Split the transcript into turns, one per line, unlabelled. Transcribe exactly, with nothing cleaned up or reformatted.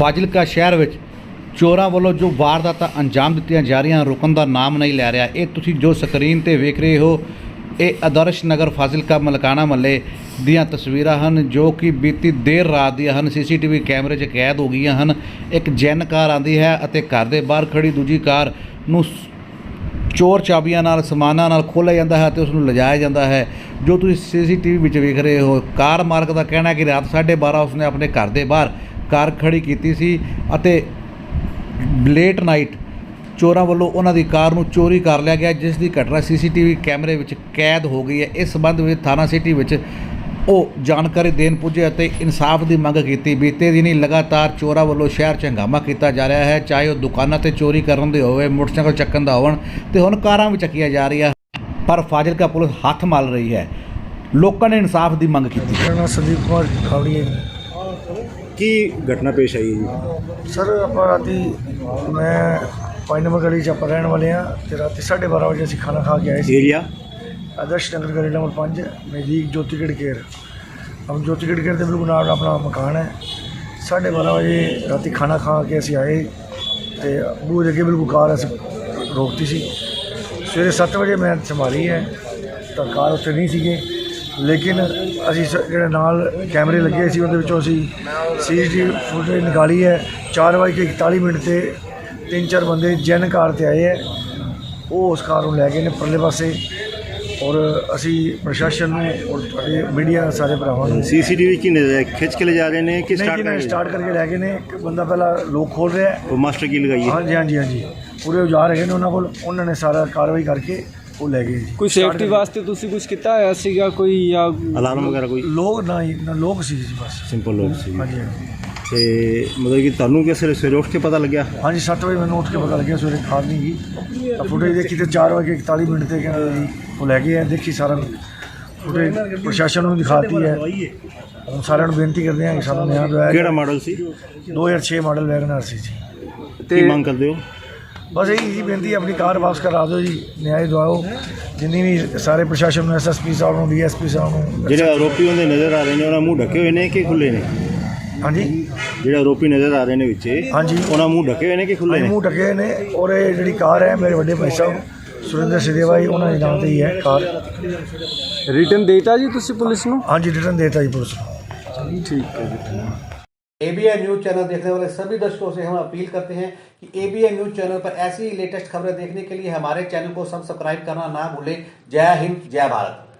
ਫਾਜ਼ਿਲਕਾ ਸ਼ਹਿਰ ਵਿੱਚ ਚੋਰਾਂ ਵੱਲੋਂ ਜੋ ਵਾਰਦਾਤਾਂ ਅੰਜਾਮ ਦਿੱਤੀਆਂ ਜਾ ਰਹੀਆਂ ਰੁਕਣ ਦਾ ਨਾਮ ਨਹੀਂ ਲੈ ਰਿਹਾ। ਇਹ ਤੁਸੀਂ ਜੋ ਸਕਰੀਨ ਤੇ ਵੇਖ ਰਹੇ ਹੋ ਇਹ ਆਦਰਸ਼ ਨਗਰ ਫਾਜ਼ਿਲਕਾ ਮਲਕਾਣਾ ਮਹੱਲੇ ਦੀਆਂ ਤਸਵੀਰਾਂ ਹਨ ਜੋ ਕਿ ਬੀਤੀ ਦੇਰ ਰਾਤ ਦੀਆਂ ਹਨ। ਸੀਸੀਟੀਵੀ ਕੈਮਰੇ 'ਚ ਕੈਦ ਹੋ ਗਈਆਂ ਹਨ। ਇੱਕ ਜੈਨ ਕਾਰ ਆਉਂਦੀ ਹੈ ਅਤੇ ਘਰ ਦੇ ਬਾਹਰ ਖੜੀ ਦੂਜੀ ਕਾਰ ਨੂੰ ਚੋਰ ਚਾਬੀਆਂ ਨਾਲ ਸਮਾਨਾਂ ਨਾਲ ਖੋਲ੍ਹਿਆ ਜਾਂਦਾ ਹੈ ਅਤੇ ਉਸ ਨੂੰ ਲਿਜਾਇਆ ਜਾਂਦਾ ਹੈ। ਜੋ ਤੁਸੀਂ ਸੀਸੀਟੀਵੀ ਵਿੱਚ ਵੇਖ ਰਹੇ ਹੋ, ਕਾਰ ਮਾਲਕ ਦਾ ਕਹਿਣਾ ਹੈ ਕਿ ਰਾਤ ਸਾਢੇ ਬਾਰਾਂ ਉਸਨੇ ਆਪਣੇ ਘਰ ਦੇ ਬਾਹਰ ਕਾਰ ਖੜੀ ਕੀਤੀ ਸੀ ਅਤੇ ਲੇਟ ਨਾਈਟ ਚੋਰਾਂ ਵੱਲੋਂ ਉਹਨਾਂ ਦੀ ਕਾਰ ਨੂੰ ਚੋਰੀ ਕਰ ਲਿਆ ਗਿਆ, ਜਿਸ ਦੀ ਘਟਨਾ ਸੀਸੀਟੀਵੀ ਕੈਮਰੇ ਵਿੱਚ ਕੈਦ ਹੋ ਗਈ ਹੈ। ਇਸ ਸੰਬੰਧ ਵਿੱਚ ਥਾਣਾ ਸਿਟੀ ਵਿੱਚ ਉਹ ਜਾਣਕਾਰੀ ਦੇਣ ਪੁੱਜੇ ਅਤੇ ਇਨਸਾਫ ਦੀ ਮੰਗ ਕੀਤੀ। ਬੀਤੇ ਦਿਨੀ ਲਗਾਤਾਰ ਚੋਰਾਂ ਵੱਲੋਂ ਸ਼ਹਿਰ 'ਚ ਹੰਗਾਮਾ ਕੀਤਾ ਜਾ ਰਿਹਾ ਹੈ, ਚਾਹੇ ਉਹ ਦੁਕਾਨਾਂ 'ਤੇ ਚੋਰੀ ਕਰਨ ਦੇ ਹੋਵੇ, ਮੋਟਰਸਾਈਕਲ ਚੱਕਣ ਦਾ ਹੋਣ ਅਤੇ ਹੁਣ ਕਾਰਾਂ ਵੀ ਚੱਕੀਆਂ ਜਾ ਰਹੀਆਂ, ਪਰ ਫਾਜ਼ਿਲਕਾ ਪੁਲਿਸ ਹੱਥ ਮਲ ਰਹੀ ਹੈ। ਲੋਕਾਂ ਨੇ ਇਨਸਾਫ ਦੀ ਮੰਗ ਕੀਤੀ।
ਮੇਰਾ ਨਾਮ ਸੰਦੀਪ ਕੁਮਾਰ ਖਾਵੜੀ ਹੈ ਜੀ।
ਕੀ ਘਟਨਾ ਪੇਸ਼ ਆਈ ਜੀ?
ਸਰ ਆਪਾਂ ਰਾਤੀ ਮੈਂ ਪੰਜ ਨੰਬਰ ਗਲੀ 'ਚ ਆਪਾਂ ਰਹਿਣ ਵਾਲੇ ਹਾਂ ਅਤੇ ਰਾਤੀ ਸਾਢੇ ਬਾਰਾਂ ਵਜੇ ਅਸੀਂ ਖਾਣਾ ਖਾ ਕੇ ਆਏ ਸੀ।
ਏਰੀਆ
आदर्श नगर गली नंबर पाँच नज़दीक ज्योतिगढ़ केयर। हम ज्योतिगढ़ केयर के बिल्कुल नाल अपना मकान है। साढ़े बारह बजे रात खाना खा के असी आए तो बूहे अगे बिल्कुल कार अस रोकती सी। सवेरे सत्त बजे मैं संभाली है तो कार उत्थे नहीं सीगे, लेकिन असी जो नाल कैमरे लगे सी उहदे विचों असी C C T V footage निकाली है। चार बज के इकताली मिनट से तीन चार बंदे जैन कार ते आए है, वो उस कार को लै गए ने परले पासे। और असी प्रशासन और मीडिया सारे भरावां नूं
सीसीटीवी की नजर खिंच के ले जा रहे हैं कि स्टार्ट
नहीं स्टार्ट करके लै गए ने। एक बंदा पहला लोक खोल रहा है,
वो मास्टर की लगाई है।
हाँ जी हाँ जी हाँ जी पूरे औजार है उन्होंने कोल, उन्होंने सारा कार्रवाई करके वो लै गए जी।
कोई सेफ्टी वास्ते तुसी कुछ किया है सीगा कोई या
अलार्म वगैरह कोई?
लोग ना ना लोग सी जी बस
सिंपल लोग सी।
हाँ जी हाँ जी
ਤੇ ਮਤਲਬ ਕਿ ਤੁਹਾਨੂੰ ਕਿਸ ਵੇਲੇ ਸਵੇਰੇ ਉੱਠ ਕੇ ਪਤਾ ਲੱਗਿਆ?
हाँ जी सत्त बजे मैंने उठ के पता लगे सवेरे खाद नहीं की तो फुटेज देखी तो चार बजे इकताली मिनट से कहना जी वो लै गए हैं। देखी सारा फुटेज प्रशासन को दिखाती है। हम सारे बेनती करते हैं कि सानू न्याय दिवाया।
ਕਿਹੜਾ ਮਾਡਲ ਸੀ?
दो हज़ार छे मॉडल वैगनआर सी जी।
ਕੀ ਮੰਗ ਕਰਦੇ ਹੋ?
बस यही जी बेनती अपनी कार वापस करा दो जी, न्याय दिवाओ। जिन्नी भी सारे प्रशासन एस एस पी साहब डी एस पी साहब
ਜਿਹੜੇ ਆਰੋਪੀ ਹੁੰਦੇ ਨਜ਼ਰ ਆ ਰਹੇ ਨੇ ਉਹਨਾਂ ਮੂੰਹ ਢੱਕੇ ਹੋਏ ਨੇ ਕਿ ਖੁੱਲੇ ਨੇ?
हाँ जी
ਜਿਹੜੇ ਆਰੋਪੀ ਨਜ਼ਰ ਆ ਰਹੇ ਨੇ ਵਿੱਚ
हाँ जी
ਉਹਨਾਂ ਮੂੰਹ ਢੱਕੇ ਹੋਏ ਨੇ ਕਿ ਖੁੱਲੇ ਨੇ?
मूँह ढके ने। और ये जी कार है मेरे बड़े भाई साहब सुरेंद्र सिदेवा जी, उन्होंने नाम से ही है कार।
रिटर्न देता जी तुसी पुलिस नु?
हाँ जी रिटर्न देता जी पुलिस को।
ठीक है जी।
एबीएन न्यूज़ चैनल देखने वाले सभी दर्शकों से हम अपील करते हैं कि एबीएन न्यूज़ चैनल पर ऐसी लेटेस्ट खबरें देखने के लिए हमारे चैनल को सब्सक्राइब करना ना भूलें। जय हिंद, जय भारत।